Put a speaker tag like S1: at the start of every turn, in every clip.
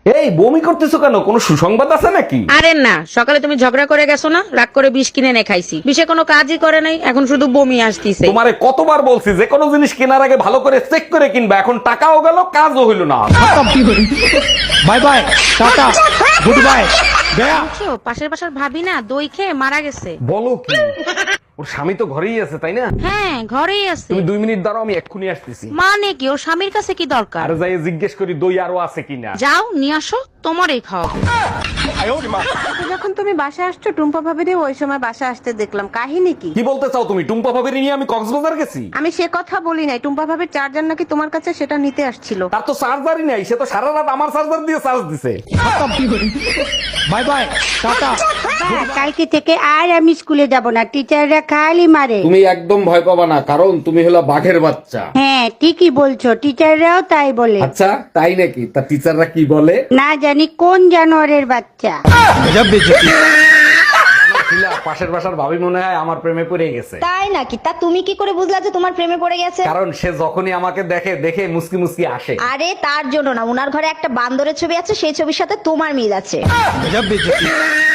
S1: এই বমি করতেছো কেন? কোনো সুসংবাদ আছে নাকি?
S2: আরে না, সকালে তুমি ঝগড়া করে গেছো না, রাগ করে বিষ কিনে এনে খাইছি, বিষে কোনো কাজই করে নাই, এখন শুধু বমি আসতিছে।
S1: তোমারে কতবার বলছি যে কোনো জিনিস কেনার আগে ভালো করে চেক করে কিনবা, এখন টাকাও গেল কাজও হইল না।
S3: Bye bye, tata, good bye, গয়া।
S2: বুঝছো, পাশের বাসার ভাবি না দই খেয়ে মারা গেছে।
S1: বলো কি? ওর স্বামী তো ঘরেই আছে তাই না?
S2: হ্যাঁ, ঘরেই আছে।
S1: তুমি 2 মিনিট দাঁড়াও, আমি এক্ষুনি আসতেছি।
S2: মানে কি, ওর স্বামীর কাছে কি দরকার?
S1: আর যাই জিজ্ঞেস করি দই আরো আছে কিনা।
S2: যাও নিয়ে আসো, তোমারই খাওয়াবো।
S4: যখন তুমি বাসা আসছো টুম্পা ভাবিরে ওই সময় বাসা আসতে দেখলাম, কাহিনী কি?
S1: কি বলতে চাও তুমি? টুম্পা ভাবির নিয়ে আমি কক্সবাজার গেছি?
S4: আমি সে কথা বলি নাই, টুম্পা ভাবির চার্জার নাকি তোমার কাছে, সেটা নিতে আসছিল।
S1: তার তো চার্জারই নাই, সে তো সারা রাত আমার চার্জার দিয়ে চার্জ দিছে।
S3: Bye bye, tata.
S5: কালকে থেকে আর আমি স্কুলে যাব না, টিচাররা খালি মারে।
S1: তুমি একদম ভয় পাবা না, কারণ তুমি হলো বাঘের বাচ্চা।
S5: হ্যাঁ ঠিকই বলছো, টিচাররাও তাই বলে।
S1: আচ্ছা তাই নাকি? তা টিচাররা কি বলে?
S5: না জানি কোন জানোয়ারের বাচ্চা।
S3: গজব বেজতি।
S1: শিলা, পাশের বাসার ভাবি মনে হয় আমার প্রেমে পড়ে গেছে।
S6: তাই নাকি? তা তুমি কি করে বুঝলা যে তোমার প্রেমে পড়ে গেছে?
S1: কারণ সে যখনই আমাকে দেখে মুসকি মুসকি আসে।
S6: আরে তার জন্য না, উনার ঘরে একটা বান্দরের ছবি আছে, সেই ছবির সাথে তোমার মিল আছে।
S3: গজব বেজতি।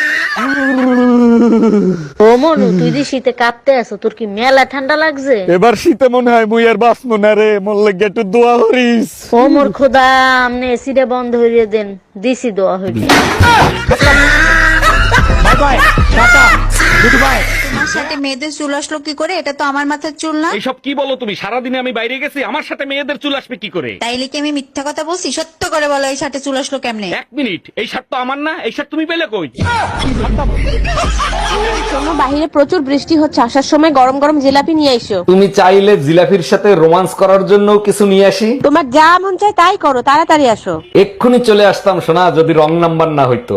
S2: ও মনু, তুই যে শীতে কাঁপতে আছো, তোর কি মেলা ঠান্ডা লাগছে?
S3: এবার শীতে মনে হয় মুই আর বাঁচবো না রে, মোর একটু দোয়া করিস।
S2: ও মোর খোদা, আমনে এসিটা বন্ধ হইয়ে দেন, দিছি দোয়া হইবে।
S3: Bye bye, tata, good bye.
S7: তোমার সাথে মেয়েদের চুল আসলো কি করে? এটা তো আমার মাথার চুল না।
S1: এইসব কি বলো তুমি? সারাদিনে আমি বাইরে গেছি, আমার সাথে মেয়েদের চুল আসবে কি করে?
S7: তাইলে কি আমি মিথ্যা কথা বলছি? সত্য করে বলো, এই সাথে চুল আসলো কেমনে?
S1: 1 মিনিট, এই শার্ট তো আমার না, এই শার্ট তুমি পেলে কই?
S4: শোনো, বাহিরে প্রচুর বৃষ্টি হচ্ছে, আসার সময় গরম গরম জিলাপি নিয়ে এসো।
S1: তুমি চাইলে জিলাফির সাথে রোমান্স করার জন্য কিছু নিয়ে আসি?
S4: তোমার যা মন চায় তাই করো, তাড়াতাড়ি আসো।
S1: এক্ষুনি চলে আসতাম সোনা, যদি রং নাম্বার না হইতো।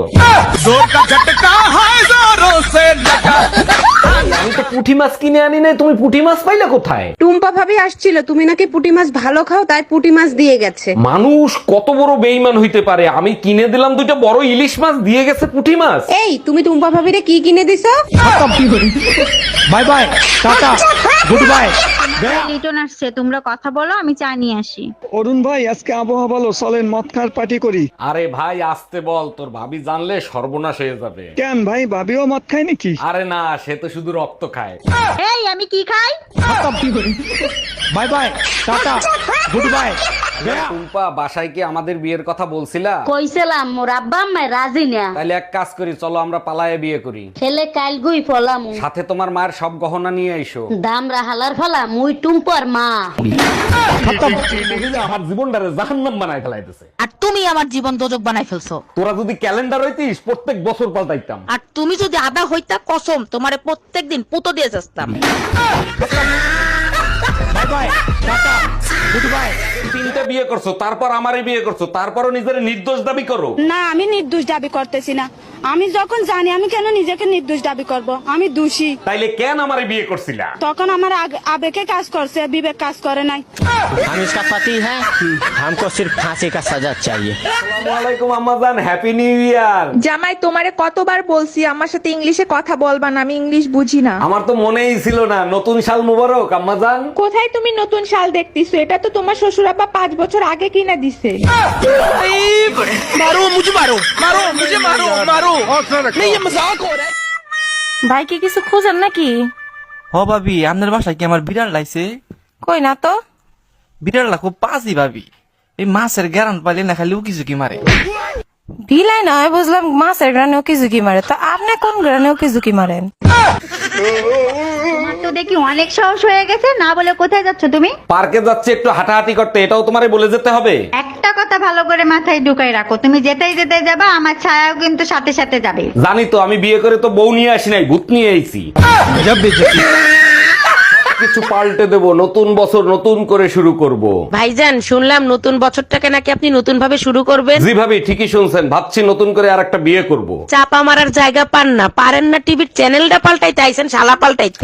S1: আমি তো পুঁটি মাছ কিনে আনি নাই, তুমি পুঁটি মাছ পাইলে কোথায়?
S4: টুম্পা ভাবি আসছিল, তুমি নাকি পুঁটি মাছ ভালো খাও, তাই পুঁটি মাছ দিয়ে গেছে।
S1: মানুষ কত বড় বেইমান হইতে পারে! আমি কিনে দিলাম 2টা বড় ইলিশ মাছ, দিয়ে গেছে পুঁটি মাছ।
S4: এই তুমি টুম্পা ভাবিরে কি কিনে দিছো?
S3: Bye bye, tata, good bye, গয়া।
S8: লিটন আসছে, তোমরা কথা বলো, আমি চা নিয়ে আসি।
S9: অরুণ ভাই, আজকে আবহাওয়া ভালো, চলেন মদ খাওয়ার পার্টি করি।
S1: আরে ভাই আসতে বল, তোর ভাবি জানলে সর্বনাশ হয়ে যাবে।
S9: কেন ভাই, ভাবিও মদ খায় নাকি?
S1: আরে না, সে তো শুধু রক্ত খায়।
S8: এই আমি কি খাই?
S3: Bye bye, tata, good bye, গয়া।
S1: টুম্পা, বাসায় কি আমাদের বিয়ের কথা বলছিলা?
S10: কইছিলাম মোর আব্বা আম্মা রাজি না।
S1: তাহলে এক কাজ করি, চলো আমরা পালায়ে বিয়ে করি।
S10: ছেলে কাল গুই ফলাম,
S1: সাথে তোমার মায়ের সব গহনা নিয়ে আইসো।
S10: দাম রাহালার ফলা মুই টুম্পর মা।
S1: মহিলা আমার জীবনটারে জাহান্নাম বানায় ফেলাইতেছে।
S2: আর তুমি আমার জীবন দোজক বানাই ফেলছো।
S1: তোরা যদি ক্যালেন্ডার হইতিস, প্রত্যেক বছর পাল্টাইতাম।
S2: আর তুমি যদি আদা হইতা, কসম তোমারে প্রত্যেকদিন পুতো দিয়ে যাস্তাম।
S3: Bye bye, tata, good bye.
S1: 3টা বিয়ে করছো, তারপর আমারই বিয়ে করছো, তারপরও নিজের নির্দোষ দাবি করো।
S5: না আমি নির্দোষ দাবি করতেছি না, আমি যখন জানি আমি কেন নিজেকে নির্দোষ দাবি করব, আমি দোষী।
S1: তাইলে কেন আমারে বিয়ে করছিলা?
S5: তখন আমার আবেগে কাজ করছে, বিবেক কাজ করে নাই।
S3: हम इसका पति है, हमको सिर्फ फांसी का सजा चाहिए।
S1: আসসালামু আলাইকুম আম্মাজান, হ্যাপি নিউ ইয়ার।
S4: জামাই তোমারে কতবার বলছি আমার সাথে ইংলিশে কথা বলবা না, আমি ইংলিশ বুঝি না।
S1: আমার তো মনেই ছিল না। নতুন সাল মুবারক আম্মাজান।
S4: কোথায় তুমি নতুন শাল দেখতেছো? এটা তো তোমার শ্বশুর আব্বা 5 বছর আগে কিনে দিছে।
S2: ভাই কি কিছু খুঁজেন নাকি?
S11: হ ভাবি, আপনার বাসায় কি আমার বিড়াল লাইছে?
S2: কই না তো।
S11: বিড়াল লাখো পাঁচই ভাবি, এই মাছের গ্যারান পাইলে না খালি উকি ঝুঁকি মারে।
S2: বিলাই নয়, বুঝলাম মাছের গ্রানে ওকে ঝুঁকি মারে, তো আপনি কোন গ্রানে ওকে ঝুঁকি মারেন?
S8: তোমার তো দেখি অনেক সাহস হয়ে গেছে, না বলে কোথায় যাচ্ছ তুমি?
S1: পার্কে যাচ্ছে একটু হাঁটাহাঁটি করতে, এটাও তোমারে বলে যেতে হবে?
S8: একটা কথা ভালো করে মাথায় ঢুকাই রাখো, তুমি যেতেই যেতে যাবা, আমার ছায়াও কিন্তু সাথে সাথে যাবে।
S1: জানি তো, আমি বিয়ে করে তো বউ নিয়ে আসি নাই, ভূত নিয়ে আইছি।
S3: गजब बेइज्जती।
S1: কিছু পাল্টে দেব, নতুন বছর নতুন করে শুরু করব।
S2: ভাইজান, শুনলাম নতুন বছরটাকে নাকি আপনি নতুন ভাবে শুরু করবেন।
S1: জি ভাবি, ঠিকই শুনছেন, ভাবছি নতুন করে আর একটা বিয়ে করব।
S2: চাপা মারার জায়গা পান না, পারেন না টিভির চ্যানেলটা পাল্টাইতে, আইছেন শালা পাল্টাইতে।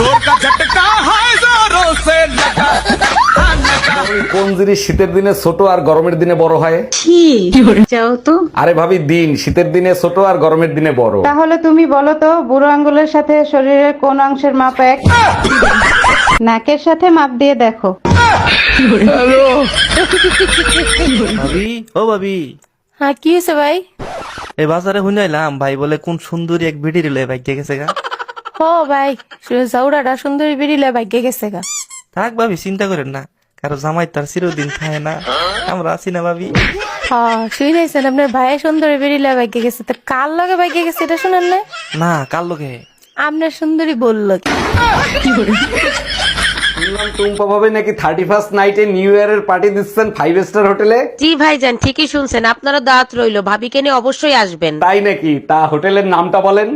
S1: কোন জিনিস শীতের দিনে ছোট আর গরমের দিনে বড় হয়?
S8: যাও তো।
S1: আরে ভাবি, দিন শীতের দিনে ছোট আর গরমের দিনে বড়।
S4: তাহলে তুমি বলো তো, বুড়ো আঙ্গুলের সাথে শরীরের কোন অংশের মাপ এক? নাকের সাথে মাপ দিয়ে দেখো।
S11: ভাবি, ও ভাবি,
S7: হ্যাঁ কি হয়েছে ভাই?
S11: এই বাজারে শুনাইলাম ভাই বলে কোন সুন্দরী এক ভিডি রিলে ভাগ্যে গেছে গা।
S7: ও ভাই জাউরাটা সুন্দরী বেরিলে ভাগ্যে গেছে গা।
S11: থাক ভাবি চিন্তা করেন না, কারো জামাই তার চিরদিন খায় না, আমরা আছি না ভাবি।
S7: হ্যাঁ শুনেছেন আপনার ভাই সুন্দরী বেরিলে ভাগ্যে গেছে, তো কার লগে ভাগ্যে গেছে এটা শুনেন না?
S11: না কার লোকে
S7: আপনার সুন্দরী বললো কি?
S1: শুনলাম টুম্পা ভাবে নাকি 31st নাইটে নিউ ইয়ারের পার্টি দিচ্ছেন 5 স্টার হোটেলে।
S2: জি ভাইজান ঠিকই শুনছেন, আপনারা দাঁত রইলো, ভাবিকে নিয়ে অবশ্যই আসবেন।
S1: তাই নাকি? তা হোটেলের নামটা বলেন।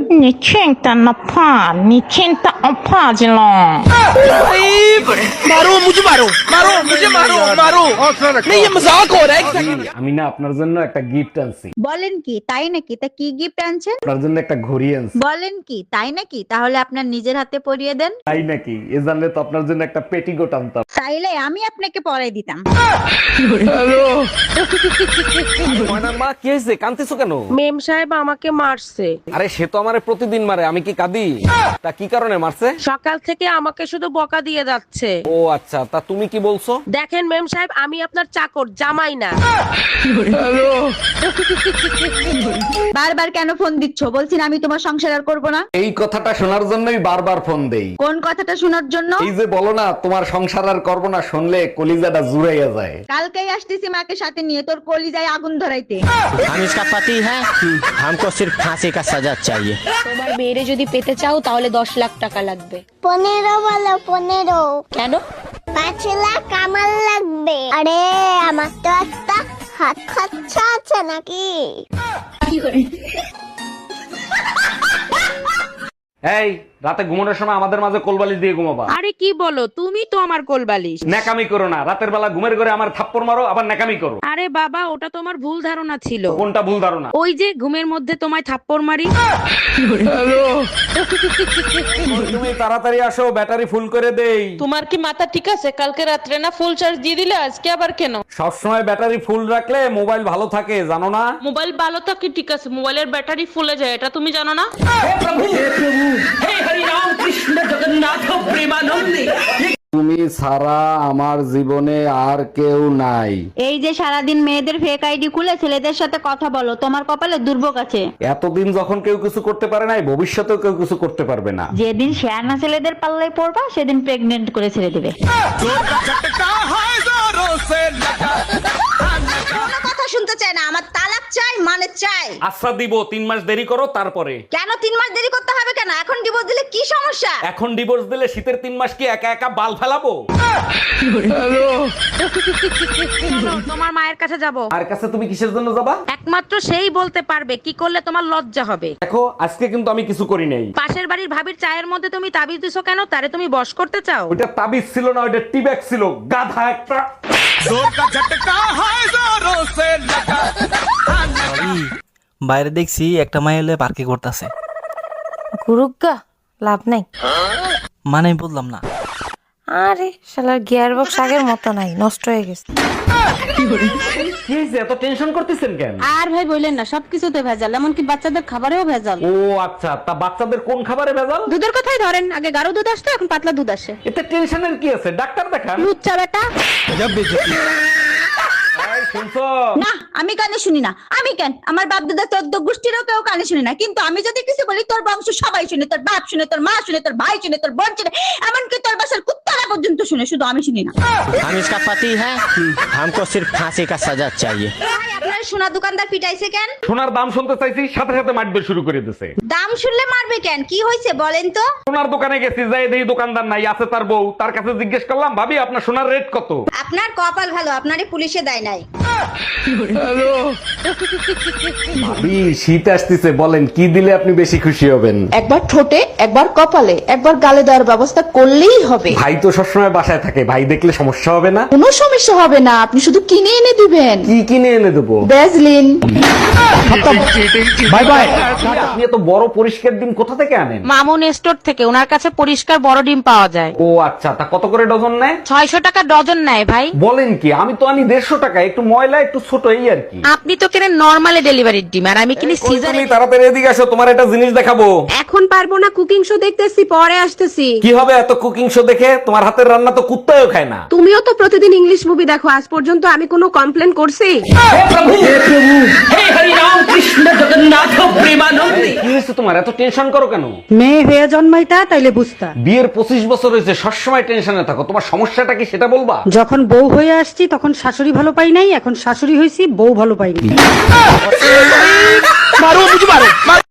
S1: আমি না আপনার জন্য একটা গিফট আনছি।
S8: বলেন কি তাই নাকি? তা কি গিফট আনছেন?
S1: আপনার জন্য একটা ঘড়ি আনছি।
S8: বলেন কি তাই নাকি? তাহলে আপনার নিজের হাতে পরিয়ে দেন।
S1: তাই নাকি? এ জানলে তো আপনার জন্য একটা পেটিকোট আনতাম।
S8: তাইলে আমি আপনাকে পরাই দিতাম।
S1: ময়নার মা কি হয়েছে, কাঁদতেছো কেন?
S2: মেম সাহেব আমাকে মারছে।
S1: আরে সে তো আমারে প্রতিদিন মারে, আমি কি কাঁদি? তা কি কারণে মারছে?
S2: সকাল থেকে আমাকে শুধু বকা দিয়ে যাচ্ছে।
S1: ও আচ্ছা, তা তুমি কি বলছো?
S2: দেখেন মেম সাহেব, আমি আপনার চাকর, জামাই না।
S8: বারবার কেন ফোন দিচ্ছ? বলছি না আমি তোমার সংসার আর করবো না।
S1: এই কথাটা শোনার জন্যই বারবার ফোন দেই।
S8: কোন কথাটা শোনার জন্য?
S1: এই যে বলো না তোমার সংসার আর করবো না, শুনলে কলিজাটা জুড়াইয়া যায়।
S8: কালকেই আসতেছি মাকে সাথে নিয়ে তোর কলিজায় আগুন ধরাইতে।
S3: हम इसका पति है, हमको सिर्फ फांसी का सजा चाहिए।
S2: তোমার মেয়েরে যদি পেতে চাও তাহলে 10 লাখ টাকা লাগবে।
S6: 15 বলো 15।
S2: কেন?
S6: 5 লাখ আমার লাগবে। আরে আমার তো একটা হাত খরচা আছে নাকি?
S1: এই রাতে ঘুমানোর সময় আমাদের মাঝে কোলবালিশ দিয়ে ঘুমাবা।
S2: আরে কি বলো, তুমি তো আমার কোলবালিশ।
S1: ন্যাকামি করো না, রাতের বেলা ঘুমের ঘরে আমার থাপ্পড় মারো আবার ন্যাকামি করো।
S2: আরে বাবা, ওটা তোমার ভুল ধারণা ছিল।
S1: কোনটা ভুল ধারণা?
S2: ওই যে ঘুমের মধ্যে তোমায় থাপ্পড় মারি।
S1: তুমি তাড়াতাড়ি আসো, ব্যাটারি ফুল করে দেই।
S2: তোমার কি মাথা ঠিক আছে? কালকে রাত্রে না ফুল চার্জ দিয়ে দিলে, আজকে আবার কেন?
S1: সবসময় ব্যাটারি ফুল রাখলে মোবাইল ভালো থাকে, জানো না?
S2: মোবাইল ভালো থাকে ঠিক আছে, মোবাইলের ব্যাটারি ফুলে যায়, এটা তুমি জানো না?
S1: তুমি ছাড়া আমার জীবনে আর কেউ নাই।
S8: এই যে সারাদিন মেয়েদের ফেক আইডি খুলে ছেলেদের সাথে কথা বলো, তোমার কপালে দুর্ভোগ আছে।
S1: এতদিন যখন কেউ কিছু করতে পারে নাই, ভবিষ্যতেও কেউ কিছু করতে পারবে না।
S8: যেদিন শেয়ানা ছেলেদের পাল্লায় পড়বা সেদিন প্রেগনেন্ট করে ছেড়ে দেবে।
S6: কথা শুনতে চাই না, আমার তালাক চাই, মানে চাই।
S1: আচ্ছা দিব, 3 মাস দেরি করো তারপরে।
S6: কেন 3 মাস দেরি করতে হবে কেন? এখন ডিভোর্স দিলে কি সমস্যা?
S1: এখন ডিভোর্স দিলে শীতের 3 মাস কি একা একা বাল ফেলাবো?
S2: তোমার মায়ের কাছে যাব।
S1: আর কাছে তুমি কিসের জন্য যাবা?
S2: একমাত্র সেই বলতে পারবে কি করলে তোমার লজ্জা হবে।
S1: দেখো আজকে কিন্তু আমি কিছু করি নাই।
S2: পাশের বাড়ির ভাবির চায়ের মধ্যে তুমি তাবিজ দিছো কেন? তারে তুমি বশ করতে চাও?
S1: ওটা তাবিজ ছিল না, ওটা টিব্যাগ ছিল, গাধা একটা।
S11: বাইরে দেখছি একটা মাই হলে পার্কে করতেছে।
S7: গুরুগা লাভ নাই।
S11: মানে আমি বললাম না।
S7: আরে শালার গিয়ার বক্স আগের মতো নাই, নষ্ট হয়ে গেছে।
S1: কি হয়েছে, এত টেনশন করতেছেন কেন?
S2: আর ভাই বললেন না, সবকিছুতে ভেজাল, এমনকি বাচ্চাদের খাবারেও ভেজাল।
S1: ও আচ্ছা, তা বাচ্চাদের কোন খাবারে ভেজাল?
S2: দুধের কথাই ধরেন, আগে গাঢ় দুধ আসতো, এখন পাতলা দুধ আসে।
S1: এতে টেনশনের কি আছে, ডাক্তার দেখান।
S2: লুচ্চা বেটা।
S1: এই শুনছো?
S8: না আমি কানে শুনি না। আমি কেন? আমার বাপ দাদা 14 গোষ্ঠীরও কেউ কানে শুনে না, কিন্তু আমি যদি কিছু বলি তোর বংশ সবাই শুনে, তোর বাপ শুনে, তোর মা শুনে, তোর ভাই শুনে, তোর বোন শুনে, এমনকি তোর বাসার কুত্তারা পর্যন্ত শুনে, শুধু আমি শুনি না।
S3: हम इसका पति है, हमको सिर्फ फांसी का सजा चाहिए।
S6: আপনার সোনা দোকানদার পিটাইছে কেন?
S1: সোনার দাম শুনতে চাইছি, সাথে সাথে মারবে শুরু করে দিছে।
S6: দাম শুনলে মারবে কেন? কি হয়েছে বলেন তো?
S1: সোনার দোকানে গেছি, যাই দেখি দোকানদার নাই, আছে তার বউ। তার কাছে জিজ্ঞেস করলাম, ভাবি আপনার সোনার রেট কত?
S6: আপনার কপাল ভালো, আপনারই পুলিশে দেয় নাই।
S1: ভাবি শীত আসতেছে, বলেন কি দিলে আপনি বেশি খুশি হবেন?
S5: একবার ঠোঁটে, একবার কপালে, একবার গালে দেওয়ার ব্যবস্থা করলেই হবে।
S1: ভাই তো সবসময় বাসায় থাকে, ভাই দেখলে সমস্যা হবে না?
S5: কোনো সমস্যা হবে না, আপনি শুধু কিনে এনে দিবেন।
S1: কি কিনে এনে দেবো?
S5: ভ্যাজলিন।
S1: Bye bye. আপনি এত বড় পরিষ্কার ডিম কোথা থেকে আনেন?
S2: মামুন স্টোর থেকে, ওনার কাছে পরিষ্কার বড় ডিম পাওয়া যায়।
S1: ও আচ্ছা, তা কত করে ডজন নেয়?
S2: 600 টাকা ডজন নেয় ভাই।
S1: বলেন কি? আমি তো আনি 150 টাকা, একটু ময়লা একটু ছোট, এই আর কি।
S2: আপনি তো কিনে নরমালি ডেলিভারির ডিম আর আমি কিনি সিজার।
S1: তুমি তাড়াতাড়ি এদিকে আসো, তোমার একটা জিনিস দেখাবো।
S2: এখন পারবো না, কুকিং শো দেখতেছি, পরে আসতেছি।
S1: কি হবে এত কুকিং শো দেখে? তোমার হাতের রান্না তো কুত্তাও খায় না।
S2: তুমিও তো প্রতিদিন ইংলিশ মুভি দেখো, আজ পর্যন্ত আমি কোনো কমপ্লেন করছি?
S1: কি হয়েছে তোমার? এত টেনশন করো কেন?
S2: মেয়ে হয়ে জন্মাইতা তাইলে বুঝতা।
S1: বিয়ের 25 বছর হয়েছে, সবসময় টেনশনে থাকো। তোমার সমস্যাটা কি সেটা বলবা?
S2: যখন বউ হয়ে আসছি তখন শাশুড়ি ভালো পাই নাই, এখন শাশুড়ি হয়েছি বউ ভালো পাই নাই।